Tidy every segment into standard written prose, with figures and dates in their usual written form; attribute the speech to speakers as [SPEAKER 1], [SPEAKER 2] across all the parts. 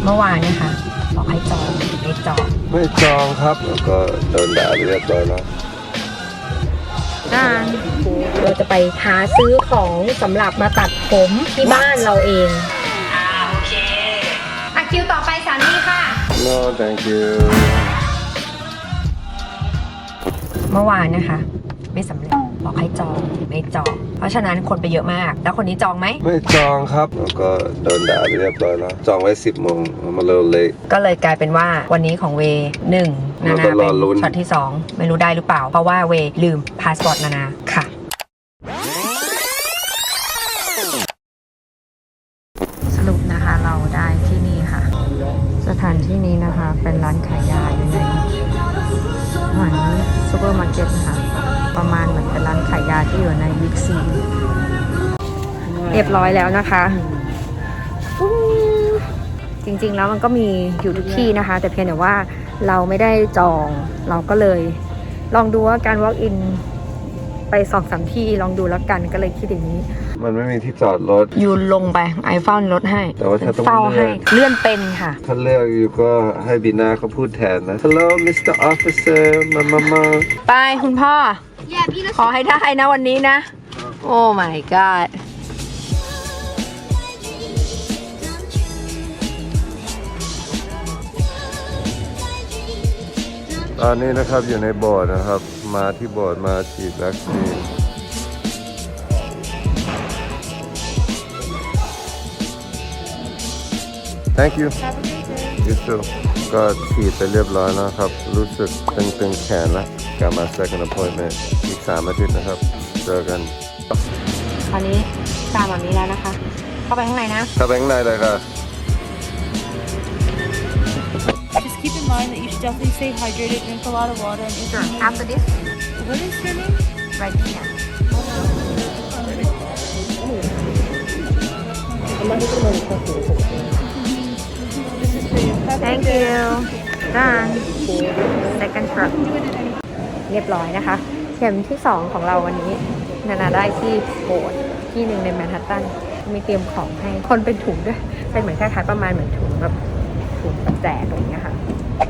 [SPEAKER 1] เมื่อวานนะคะบอกให้จองไม่จอง
[SPEAKER 2] ไม่จองครับแล้วก็โดนด่าไปเรียบร้อยแล้ว
[SPEAKER 1] เราจะไปหาซื้อของสำหรับมาตัดผมที่บ้านเราเองโอเคคิวต่อไปสามีค่ะ
[SPEAKER 2] No thank you
[SPEAKER 1] เมื่อวานนะคะไม่สำเร็จบอกให้จองไม่จองเพราะฉะนั้นคนไปเยอะมากแล้วคนนี้จองไหม
[SPEAKER 2] ไม่จองครับแล้วก็โดนด่าไปเรียบร้อยแล้วจองไว้10 โมงมาเร็วเลย
[SPEAKER 1] ก็เลยกลายเป็นว่าวันนี้ของเวหนึ่งนานาเป็นช็อตที่2ไม่รู้ได้หรือเปล่าเพราะว่าเวลืมพาสปอร์ตนานาค่ะสรุปนะคะเราได้ที่นี่ค่ะสถานที่นี้นะคะเป็นร้านขายยาอยู่ในเหมือนซูเปอร์มาร์เก็ตนะคะประมาณเหมือนเป็นร้านขายยาที่อยู่ในบิ๊กซีเรียบร้อยแล้วนะคะจริงๆแล้วมันก็มีอยู่ทุกที่นะคะแต่เพียงแต่ว่าเราไม่ได้จองเราก็เลยลองดูว่าการ walk in ไป 2-3 ที่ลองดูแล้วกันก็เลยคิดอย่างนี้
[SPEAKER 2] มันไม่มีที่จอดรถ
[SPEAKER 1] ยูลงไปไอเฝ้ารถให้
[SPEAKER 2] แต่ว่าถ้าต้อง
[SPEAKER 1] เฝ้าให้เลื่อนเป็นค่ะ
[SPEAKER 2] ถ้าเลือกอยู่ก็ให้บีนาเขาพูดแทนนะ Hello Mr. Officer มา
[SPEAKER 1] ไปคุณพ่อขอให้ได้นะวันนี้นะโอ้ my god
[SPEAKER 2] ตอนนี้นะครับอยู่ในโบสถ์นะครับมาที่โบสถ์มาฉีดวัคซีนThank you. You too. ก็ฉีดไปเรียบร้อยแล้วครับรู้สึกตึงๆแขนแล้วกลับมา second appointment อีก3 อาทิตย์นะครับเจอกัน
[SPEAKER 1] ตอนนี้ตามแบบนี้แล้วนะคะเข้าไปข้างในนะ
[SPEAKER 2] เข้าไปข้างในเลยค่ะ
[SPEAKER 3] Just keep in mind that you should definitely stay hydrated, drink a lot of water, and if you need...
[SPEAKER 1] After this
[SPEAKER 3] What is your name?
[SPEAKER 1] right here Thank you done second truck เรียบร้อยนะคะเข็มที่2ของเราวันนี้นานาได้ที่โบสถ์ที่หนึ่งในแมนฮัตตันมีเตรียมของให้คนเป็นถุงด้วยเป็นเหมือนคล้ายๆประมาณเหมือนถุงแบบถุงแจกอะไรอย่างเงี้ยค่ะ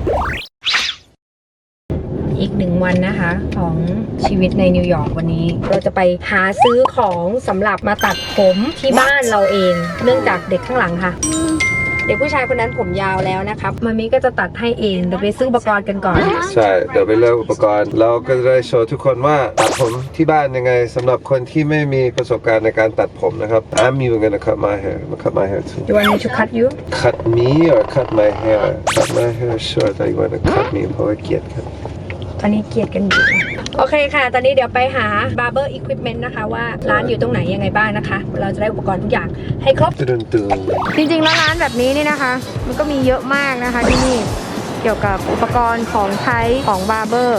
[SPEAKER 1] อีก1 วันนะคะของชีวิตในนิวยอร์กวันนี้เราจะไปหาซื้อของสำหรับมาตัดผมที่บ้านเราเองเนื่องจากเด็กข้างหลังค่ะเด็กผู้ชายคนนั้นผมยาวแล้วนะครับมามิก็จะตัดให้เองเดี๋ยวไปซื้ออุปกรณ์กันก่อน
[SPEAKER 2] ใช่เดี๋ยวไปเลือกอุปกรณ์เราก็จะได้โชว์ทุกคนว่าตัดผมที่บ้านยังไงสำหรับคนที่ไม่มีประสบการณ์ในการตัดผมนะครับ I'm even gonna cut my hair too
[SPEAKER 1] You want me to cut you
[SPEAKER 2] cut me or cut my hair cut my hair short I want to cut me เพราะว่าเกลียดครับ
[SPEAKER 1] ตอนนี้เกลียดกันอยู่โอเคค่ะตอนนี้เดี๋ยวไปหา barber equipment นะคะว่าร้านอยู่ตรงไหนยังไงบ้างนะคะเราจะได้อุปกรณ์ทุกอย่างให้ครบจริงๆแล้วร้านแบบนี้นี่นะคะมันก็มีเยอะมากนะคะที่นี่เกี่ยวกับอุปกรณ์ของใช้ของ barber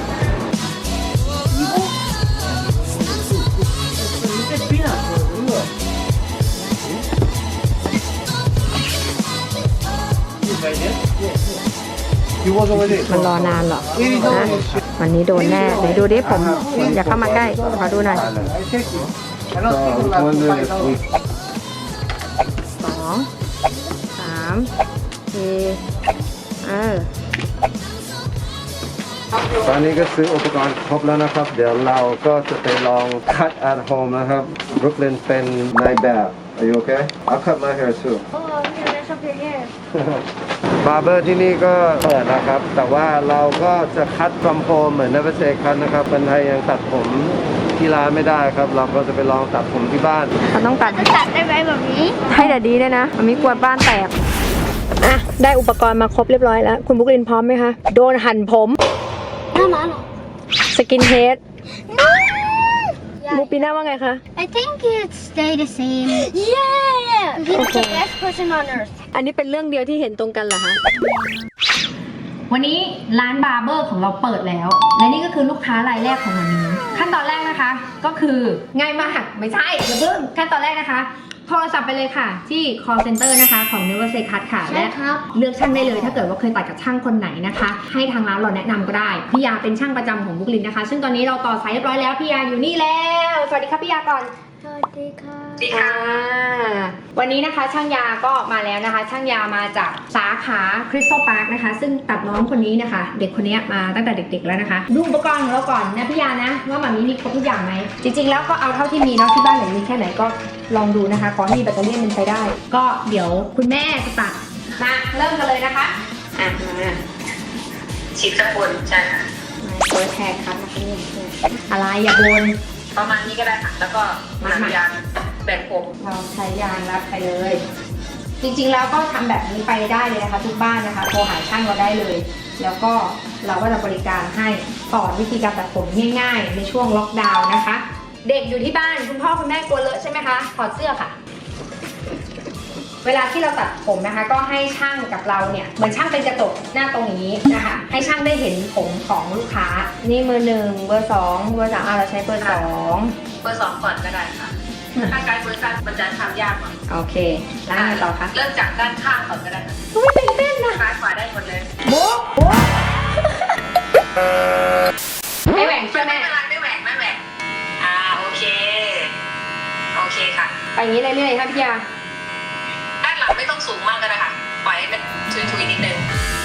[SPEAKER 1] มันรอนานหรอนะวันนี้โดนแน่เดี๋ยวดูดิผมอย่าเข้ามาใกล้ขอดูหน่อย2 3 4
[SPEAKER 2] ตอนนี้ก็ซื้ออุปกรณ์ครบแล้วนะครับเดี๋ยวเราก็จะไปลอง cut at home นะครับ Brooklyn เป็นนายแบบ Are you okay? I'll cut my hair tooบาร์เบอร์ที่นี่ก็เปิดนะครับแต่ว่าเราก็จะคัด from home เหมือน Never Say Cut นะครับคนไทยยังตัดผมที่ร้านไม่ได้ครับเราก็จะไปลองตัดผมที่บ้าน
[SPEAKER 1] เราต้องตัด
[SPEAKER 3] ได้ไหมแบบนี้
[SPEAKER 1] ให้แต่ดีด้วยนะมันมีกลัวบ้านแตกอ่ะได้อุปกรณ์มาครบเรียบร้อยแล้วคุณบุ๊กลินพร้อมไหมคะโดนหั่นผม
[SPEAKER 3] หน้าม้าเหรอ
[SPEAKER 1] สกินเฮดมูปีน่าว่าไงคะ
[SPEAKER 3] I think it stay the same yeah he's the best person on earth
[SPEAKER 1] อันนี้เป็นเรื่องเดียวที่เห็นตรงกันเหรอคะวันนี้ร้านบาร์เบอร์ของเราเปิดแล้วและนี่ก็คือลูกค้ารายแรกของวันนี้ขั้นตอนแรกนะคะก็คือง่ายมากไม่ใช่อย่าเพิ่งขั้นตอนแรกนะคะโทรศัพท์ไปเลยค่ะที่ call center นะคะของ Never Say Cut ค่ะและเลือกช่างได้เลยถ้าเกิดว่าเคยตัดกับช่างคนไหนนะคะให้ทางร้านเราแนะนำก็ได้พี่ยาเป็นช่างประจำของบุ๊กลินนะคะซึ่งตอนนี้เราต่อสายเรียบร้อยแล้วพี่ยาอยู่นี่แล้วสวัสดีครับพี่ยาก่อนอ่าวันนี้นะคะช่างยาก็มาแล้วนะคะ ช่างยามาจากสาขาคริสตัลพาร์คนะคะซึ่งตัดน้องคนนี้นะคะ เด็กคนนี้มาตั้งแต่เด็กๆแล้วนะคะดูอุปกรณ์ของเราก่อนนะพี่ยานะว่ามันมีครบทุกอย่างไหมจริงๆแล้วก็เอาเท่าที่มีเนาะที่บ้านไหนมีแค่ไหนก็ลองดูนะคะขอให้มีแบตเตอรี่มันใช้ได้ ก็เดี๋ยวคุณแม่จะตัดมาเริ่มกันเลยนะคะอ่ะมา
[SPEAKER 4] ฉีดข้างบนใช่ค่ะ
[SPEAKER 1] เปิดแทนครับนะคะนี่อะไรอย่าบน
[SPEAKER 4] ประมาณนี้ก็ได้ค่ะ แล้วก็นำยางแบ่งผม
[SPEAKER 1] เราใช้ยางรัดไปเลย จริงๆแล้วก็ทำแบบนี้ไปได้เลยนะคะทุกบ้านนะคะโทรหาช่างเราได้เลย แล้วก็เราก็จะบริการให้สอนวิธีการตัดผมง่ายๆในช่วงล็อกดาวน์นะคะ เด็กอยู่ที่บ้านคุณพ่อคุณแม่กลัวเลอะใช่ไหมคะถอดเสื้อค่ะ เวลาที่เราตัดผมนะคะ ก็ให้ช่างกับเราเนี่ยเหมือนช่างเป็นกระจกหน้าตรงนี้นะคะ ให้ช่างได้เห็นผมของลูกค้านี่มือหนึ่งเบอร์สองเบอร์สามเราใช้เบอร์สอง
[SPEAKER 4] เบอร์ 2ก่อนก็ได้ค่ะถ้าการเบอร์3มันจะทำยากกว่า
[SPEAKER 1] โอเคแล้วไงต่อคะ
[SPEAKER 4] เริ่มจากด้านข้างก่อนก็ได้ค่ะ
[SPEAKER 1] อุ้ยตื่นเต้นนะ
[SPEAKER 4] ซ้ายขวาได้หมดเลย
[SPEAKER 1] โบ๊ะโบ๊ะไม่แหว่งใช่ไหม
[SPEAKER 4] ไม่เป็นไรไม่แหวกไม่แหวกโอเคโอเคค่ะ
[SPEAKER 1] ไปอย่างนี้เรื่อยๆค่ะพี่ยา
[SPEAKER 4] ด้านหลังไม่ต้องสูงมากก็ได้ค่ะปล่อยให้มันทุยๆนิดนึง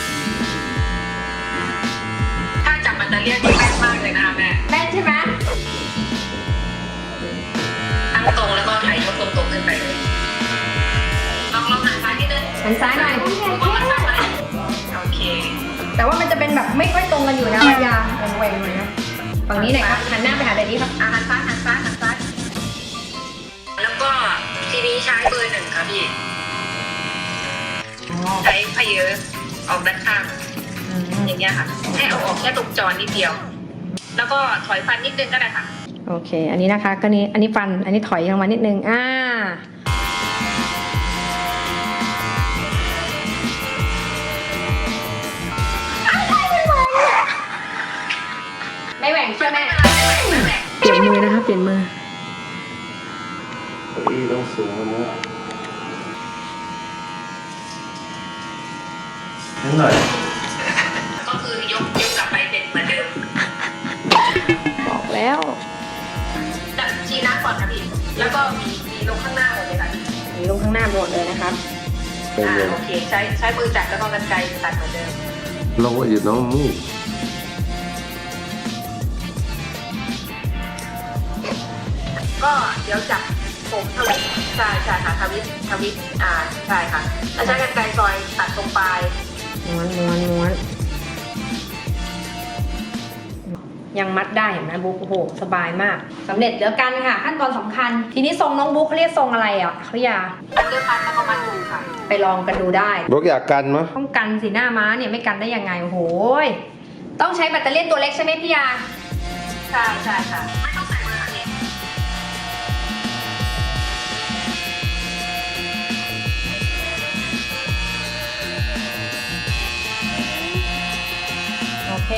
[SPEAKER 4] ถ้าจับมันจะเรียกที่แม่นมากเลยนะคะแม่
[SPEAKER 1] แม่นใช่ไหม
[SPEAKER 4] ตั้งตรงแล้วก็ถ่ายยกตรงๆขึ้นไปเลยลองหันซ้ายนิดนึง
[SPEAKER 1] หันซ้ายหน่อย
[SPEAKER 4] โอเค
[SPEAKER 1] แต่ว่ามันจะเป็นแบบไม่ค่อยตรงกันอยู่นะพี่ยาแหว่งๆหน่อยนะฝั่งนี้หน่อยครับหันหน้าไปหาแต่นี้ครับ
[SPEAKER 4] หันซ้ายหันซ้ายหันซ้ายแล้วก็ทีนี้ใช้เบอร์ 1ค่ะพี่ใช้พเยอะออกด้านข้างอย่างเงี้ยค่ะให้เอาออกแค่ตรงจอนิดเดียว แล้วก็ถอยฟันนิดนึงก็ได้ค่ะ
[SPEAKER 1] โอเค อันนี้นะคะก็นี้อันนี้ฟันอันนี้ถอยลงมานิดนึงไม่แหว่งใช่ไหมเปลี่ยนมือนะคะเปลี่ยนมือ
[SPEAKER 2] เก้าอี้ต้องสูงกว่านี้นิดหน่อย
[SPEAKER 4] ก็คือยกกลับไปเป็นเหมือนเดิม
[SPEAKER 1] บอกแล้ว
[SPEAKER 4] จับชี้หน้าก่อนค่ะพี่แล้วก็มีลงข้างหน้าหมดเลยค่ะ
[SPEAKER 1] มีลงข้างหน้าหมดเลยนะครับ
[SPEAKER 2] เป็นไง
[SPEAKER 4] โอเคใช้มือจับแล้วก็กรรไกรตัดเหมือนเดิม
[SPEAKER 2] Look what you don't move.
[SPEAKER 4] ก็เดี๋ยวจับผมทวิตใช่ค่ะทวิตใช่ค่ะแล้วใช้กรรไกรซอยตัดตรงปลาย
[SPEAKER 1] ม้วนยังมัดได้เห็นไหมบุ๊กโอ้โหสบายมากสำเร็จแล้วกันค่ะขั้นตอนสำคัญ ทีนี้ทรงน้องบุ๊กเขาเรียกทรงอะไรอ่ะเขาอยา
[SPEAKER 4] อันเดอร์พันแล้วก็มัดมือค่ะ
[SPEAKER 1] ไปลองกันดูได้
[SPEAKER 2] Brooke อยากกันมั้ย
[SPEAKER 1] ต้องกันสีหน้าม้าเนี่ยไม่กันได้ยังไงโอ้โหต้องใช้แบตเตอรี่ตัวเล็กใช่ไหมพี่ยา
[SPEAKER 4] ใช่ค่ะ ไม่ต้องใส่เบอร์อันนี้
[SPEAKER 1] โอเค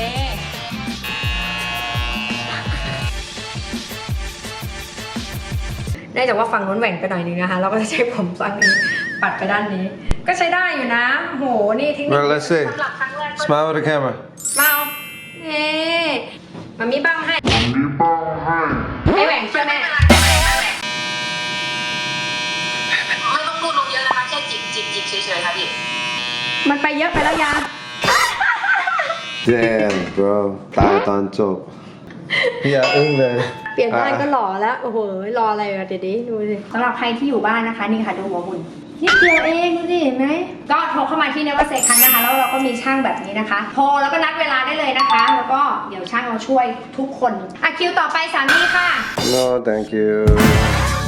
[SPEAKER 1] เนื่องจากว่าฝั่งนู้นแหว่งไปหน่อยนึงนะคะเราก็จะใช้ผมฝั่งนี้ปัดไปด้านนี้ ก็ใช้ได้อยู่นะโหนี่เทคนิค
[SPEAKER 2] Well, let's see.
[SPEAKER 4] สำหรับครั้งแรกก็
[SPEAKER 2] Smile with the camera.
[SPEAKER 1] มาเอาเอ๊มันมีบ้างให้ไม่แหว่งใช่ไหม
[SPEAKER 4] ไม่ต้องพูดลงเยอะนะคะแค่จิกเฉยๆค่ะพี่
[SPEAKER 1] มันไปเยอะไปแล้วยา
[SPEAKER 2] Damn, bro. ตายตอนจบพี่อยากอึ้งเลย
[SPEAKER 1] เปลี่ยนบ้านก็หล่อแล้วโอ้โหรออะไรอะเดี๋ยวดิดูสิสำหรับใครที่อยู่บ้านนะคะนี่ค่ะดูหัวหุ่นนิดเดียวเองดูสิเห็นไหมก็โทรเข้ามาที่เนวัตเซคันนะคะแล้วเราก็มีช่างแบบนี้นะคะโทรแล้วก็นัดเวลาได้เลยนะคะ แล้วก็เดี๋ยวช่างเราช่วยทุกคนคิวต่อไปสามีค่ะ
[SPEAKER 2] No thank you